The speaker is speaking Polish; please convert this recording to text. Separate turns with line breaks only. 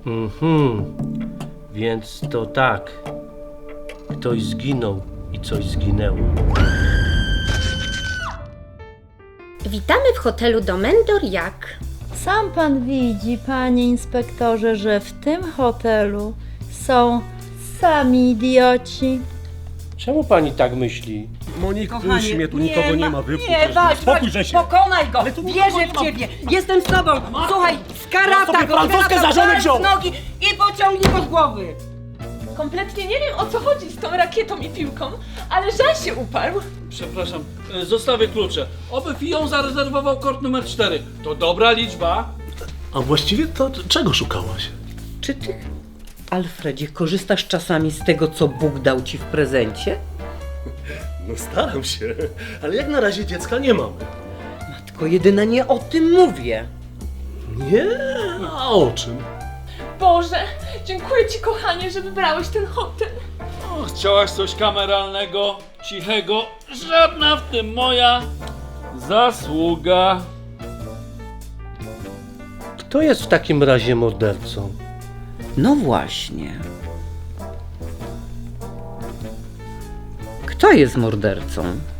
Więc to tak. Ktoś zginął i coś zginęło.
Witamy w hotelu Domendor Jak.
Sam pan widzi, panie inspektorze, że w tym hotelu są sami idioci.
Czemu pani tak myśli?
Monik,
Kochanie,
puść mnie, tu nikogo nie ma,
Nie, walcz,
spokój się.
pokonaj go,
Ale tu nikogo
wierzę
nie
w
ma.
ciebie, jestem z tobą, słuchaj, skarata
sobie
go,
francuskę za żonę
daj
wziął.
z nogi i pociągnij go z głowy.
Kompletnie nie wiem, o co chodzi z tą rakietą i piłką, ale żal się uparł.
Przepraszam, zostawię klucze. Oby Fion zarezerwował kort numer 4. To dobra liczba.
A właściwie to czego szukałaś?
Czy ty, Alfredzie, korzystasz czasami z tego, co Bóg dał ci w prezencie?
No staram się, ale jak na razie dziecka nie mamy.
Matko jedyna, nie o tym mówię.
Nie? A o czym?
Boże, dziękuję ci, kochanie, że wybrałeś ten hotel.
O, chciałaś coś kameralnego, cichego. Żadna w tym moja zasługa.
Kto jest w takim razie mordercą?
No właśnie. Kto jest mordercą?